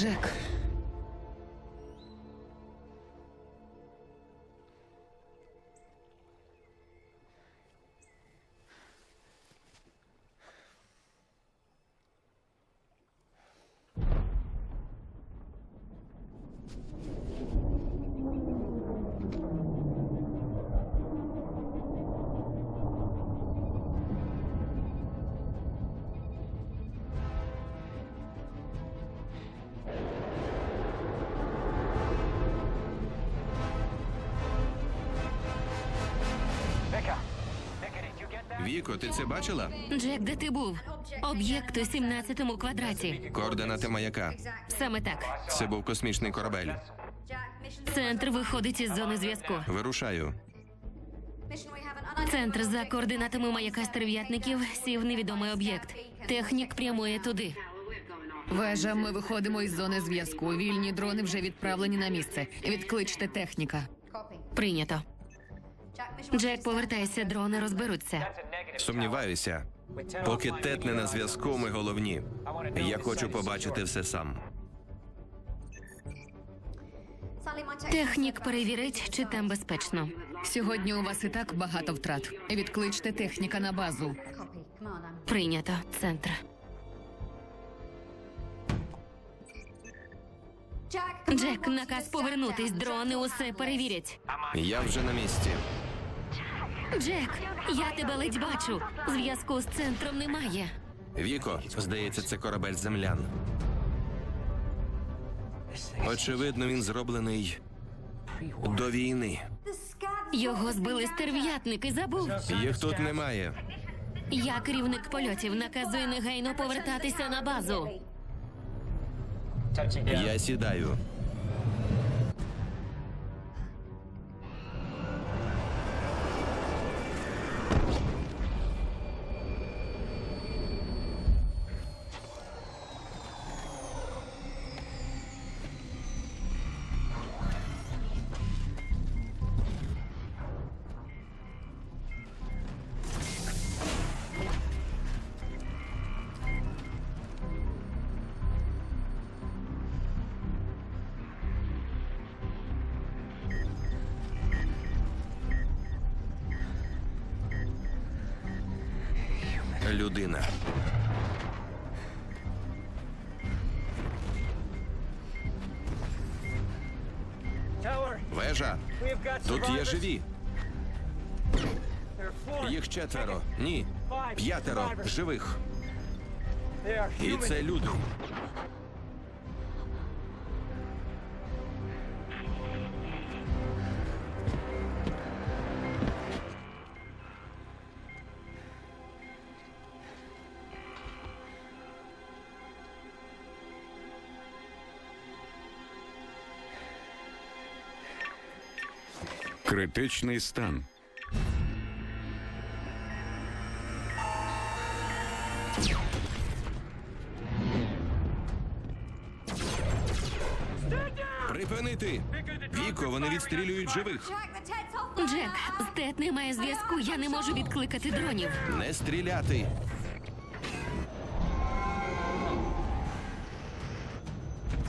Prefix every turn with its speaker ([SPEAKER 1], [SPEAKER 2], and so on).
[SPEAKER 1] Джек.
[SPEAKER 2] Віко, ти це бачила?
[SPEAKER 3] Джек, де ти був? Об'єкт у 17-му квадраті.
[SPEAKER 2] Координати маяка.
[SPEAKER 3] Саме так.
[SPEAKER 2] Це був космічний корабель.
[SPEAKER 3] Центр виходить із зони зв'язку.
[SPEAKER 2] Вирушаю.
[SPEAKER 3] Центр за координатами маяка стерв'ятників сів невідомий об'єкт. Технік прямує туди.
[SPEAKER 1] Вежа, ми виходимо із зони зв'язку. Вільні дрони вже відправлені на місце. Відкличте техніка.
[SPEAKER 3] Прийнято. Джек, повертайся, дрони розберуться.
[SPEAKER 2] Сумніваюся. Поки Тед не на зв'язку, ми головні. Я хочу побачити все сам.
[SPEAKER 3] Технік перевірить, чи там безпечно.
[SPEAKER 1] Сьогодні у вас і так багато втрат. Відкличте техніка на базу.
[SPEAKER 3] Прийнято. Центр. Джек, наказ повернутись. Дрони усе перевірять.
[SPEAKER 2] Я вже на місці.
[SPEAKER 3] Джек, я тебе ледь бачу. Зв'язку з центром немає.
[SPEAKER 2] Віко, здається, це корабель землян. Очевидно, він зроблений до війни.
[SPEAKER 3] Його збили стерв'ятники, забув?
[SPEAKER 2] Їх тут немає.
[SPEAKER 3] Я керівник польотів, наказую негайно повертатися на базу.
[SPEAKER 2] Я сідаю. Людина. Вежа. Тут є живі. Їх 4. Ні. 5 живих. І це люди.
[SPEAKER 4] Критичний стан.
[SPEAKER 2] Припинити! Віко, вони відстрілюють живих.
[SPEAKER 3] Джек, з Тед немає зв'язку, я не можу відкликати дронів.
[SPEAKER 2] Не стріляти.